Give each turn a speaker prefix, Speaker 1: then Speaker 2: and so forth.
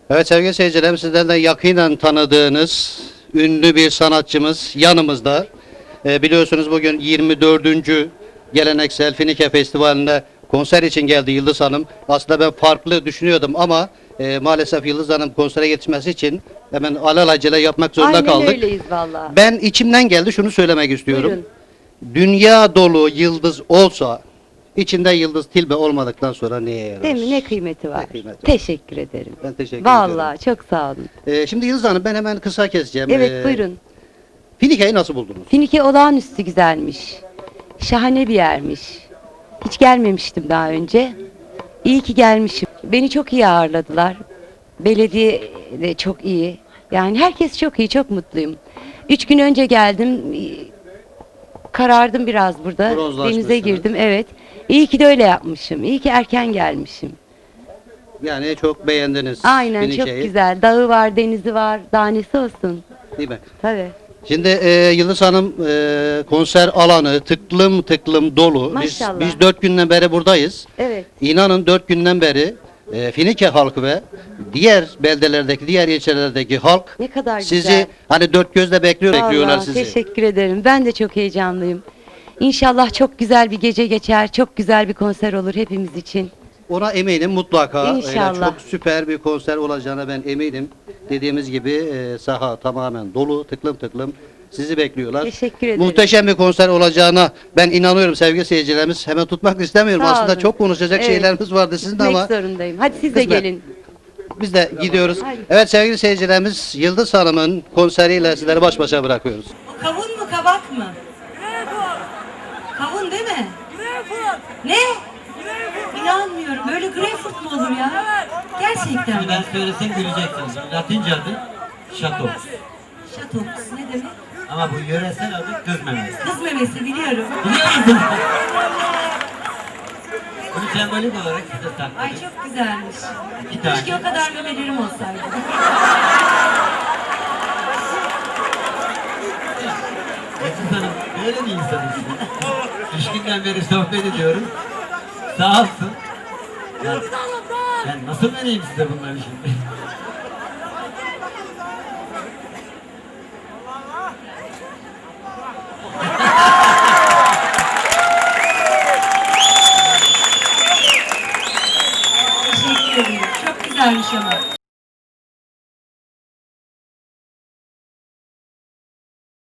Speaker 1: Evet sevgili seyircilerim, sizden de yakinen tanıdığınız ünlü bir sanatçımız yanımızda. Biliyorsunuz bugün 24. Geleneksel Finike Festivali'nde konser için geldi Yıldız Hanım. Aslında ben farklı düşünüyordum ama maalesef Yıldız Hanım konsere yetişmesi için hemen alelacele yapmak zorunda
Speaker 2: Aynen
Speaker 1: kaldık.
Speaker 2: öyleyiz valla.
Speaker 1: Ben içimden geldi şunu söylemek istiyorum.
Speaker 2: Buyurun.
Speaker 1: Dünya dolu yıldız olsa içinde yıldız tilbe olmadıktan sonra neye yarar?
Speaker 2: Değil mi? Ne kıymeti var?
Speaker 1: Ne kıymeti var?
Speaker 2: Teşekkür ederim.
Speaker 1: Ben teşekkür ediyorum.
Speaker 2: Vallahi çok sağ olun.
Speaker 1: Şimdi Yıldız Hanım ben hemen kısa keseceğim.
Speaker 2: Evet buyurun.
Speaker 1: Finike'yi nasıl buldunuz?
Speaker 2: Finike olağanüstü güzelmiş. Şahane bir yermiş. Hiç gelmemiştim daha önce. İyi ki gelmişim. Beni çok iyi ağırladılar. Belediye de çok iyi. Yani herkes çok iyi, çok mutluyum. 3 gün önce geldim. Karardım biraz burada.
Speaker 1: Bronzlaşmışsınız.
Speaker 2: Denize girdim, evet. İyi ki de öyle yapmışım. İyi ki erken gelmişim.
Speaker 1: Yani çok beğendiniz
Speaker 2: Aynen çok
Speaker 1: Finike'yi,
Speaker 2: güzel. Dağı var, denizi var. Daha nesi olsun.
Speaker 1: değil mi?
Speaker 2: Tabii.
Speaker 1: Şimdi Yıldız Hanım konser alanı tıklım tıklım dolu.
Speaker 2: Maşallah.
Speaker 1: Biz 4 günden beri buradayız.
Speaker 2: Evet.
Speaker 1: İnanın 4 günden beri Finike halkı ve diğer beldelerdeki, diğer ilçelerdeki halk
Speaker 2: Ne kadar
Speaker 1: sizi
Speaker 2: güzel.
Speaker 1: hani dört gözle bekliyorlar
Speaker 2: Vallahi
Speaker 1: sizi.
Speaker 2: teşekkür ederim. Ben de çok heyecanlıyım. İnşallah çok güzel bir gece geçer. Çok güzel bir konser olur hepimiz için.
Speaker 1: Ona eminim mutlaka.
Speaker 2: İnşallah.
Speaker 1: Çok süper bir konser olacağına ben eminim. Dediğimiz gibi saha tamamen dolu, tıklım tıklım sizi bekliyorlar.
Speaker 2: Teşekkür ederim.
Speaker 1: Muhteşem bir konser olacağına ben inanıyorum sevgili seyircilerimiz. Hemen tutmak istemiyorum.
Speaker 2: Sağ
Speaker 1: Aslında
Speaker 2: olun.
Speaker 1: çok konuşacak
Speaker 2: Evet.
Speaker 1: şeylerimiz vardı sizin de
Speaker 2: Gitmek
Speaker 1: ama
Speaker 2: zorundayım. Hadi siz de
Speaker 1: Kısmet.
Speaker 2: gelin.
Speaker 1: biz de gidiyoruz.
Speaker 2: Hadi.
Speaker 1: Evet sevgili seyircilerimiz, Yıldız Hanım'ın konseriyle sizleri baş başa bırakıyoruz.
Speaker 3: Kavun mu kabak mı? Kavun değil mi? Ne? İnanmıyorum. Böyle greyfurt mu olur ya? Gerçekten mi?
Speaker 4: Ben söylesem güleceksiniz. Latince adı şato.
Speaker 3: Şatoks ne demek?
Speaker 4: Ama bu yöresel adı kız memesi.
Speaker 3: Kız memesi biliyorum.
Speaker 4: Biliyor musun? Bunu sembolik olarak size
Speaker 3: Ay
Speaker 4: sakladım.
Speaker 3: çok güzelmiş.
Speaker 4: İki tane.
Speaker 3: Keşke o kadar memelerim olsaydı.
Speaker 4: Yıldız Hanım böyle bir insanız. 3 günden beri sohbet ediyoruz. Sağ olsun. Ben nasıl vereyim size bunları şimdi?